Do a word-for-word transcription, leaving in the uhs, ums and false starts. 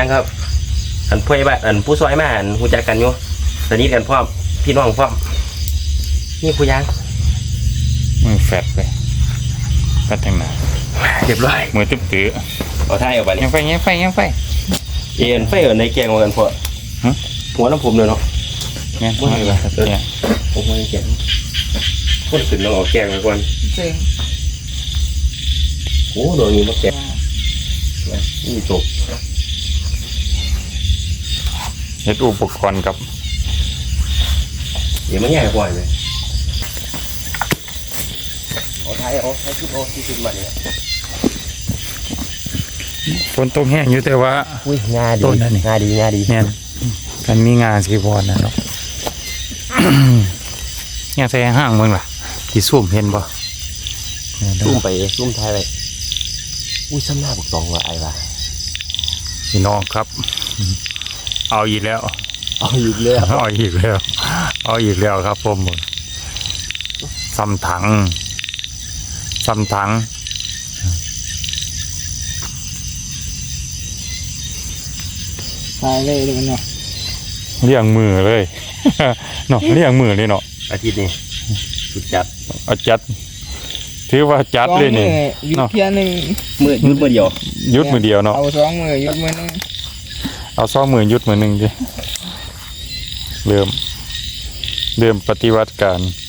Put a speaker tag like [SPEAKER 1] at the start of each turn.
[SPEAKER 1] างครับอันผู้ใหญ่บ้านอันผู้ซอยมาอันรู้จักกันอยู่สนิทกันพร้อมพี่น้องพร้อมนี่ผู้ยาง
[SPEAKER 2] มือแฟดเลยแฟดทางหน้า
[SPEAKER 1] เรียบร้อย
[SPEAKER 2] มือตึ๊บตื้อ
[SPEAKER 1] เอาท้ายออกไป
[SPEAKER 2] ยังไฟยังไฟยังไฟ
[SPEAKER 1] เอ็นไฟเอินในแกงมากันพอหัวน้ำผมเลยเนาะ
[SPEAKER 2] เนี่ยหัวเลยครับเนี่ย
[SPEAKER 1] ผมไม่แกงคนขึ้นต้องเอาแกงไปก่อน
[SPEAKER 3] เจ๋ง
[SPEAKER 1] โอ้โดนนี้มาแกงนี่จบ
[SPEAKER 2] เฮ็ดอุปกรณ์กับ
[SPEAKER 1] เดี๋ยวมันใหญ่กว่าเลยเอาท้ายเอาท้ายขึ้นเอาที่ขึ้นมาเนี่ย
[SPEAKER 2] ฝนตกแห้งอยู่แต่ว่า
[SPEAKER 1] อุ้ยงาดีงาดีงาดี
[SPEAKER 2] เนี่ยมันมีงาสีบอลนะเนาะเนี่ยใส่ห้างมึงล่ะที่ซุ่มเห็นบ่
[SPEAKER 1] ซุ่มไปซุ่มท้ายไปอุ้ยซ้ำหน้าบุกตองว่ะไอ้ว่ะ
[SPEAKER 2] พี่น้องครับเอาอีกแล้ว
[SPEAKER 1] เอาอีกแล้ว
[SPEAKER 2] เอาอีกแล้วเอาอีกแล้วครับผมซ้ำถังซ้ำถัง
[SPEAKER 3] ตายเลยเลยเนาะ
[SPEAKER 2] เลี้ยงมือเลยเนาะเลี้ยงมือเลยเนาะ
[SPEAKER 1] อาทิตย์นี้สุดจัด
[SPEAKER 2] เอาจัดถือว่าจัดเลยนี่
[SPEAKER 3] เนาะเพียหนึ่ง
[SPEAKER 1] มือยุดมือเดียว
[SPEAKER 2] ยุดมือเดียวเนาะ
[SPEAKER 3] เอาสองมือยุดมือนึง
[SPEAKER 2] เอาสองมือยุดมือหนึ่งดิเริ่มเริ่มปฏิวัติการ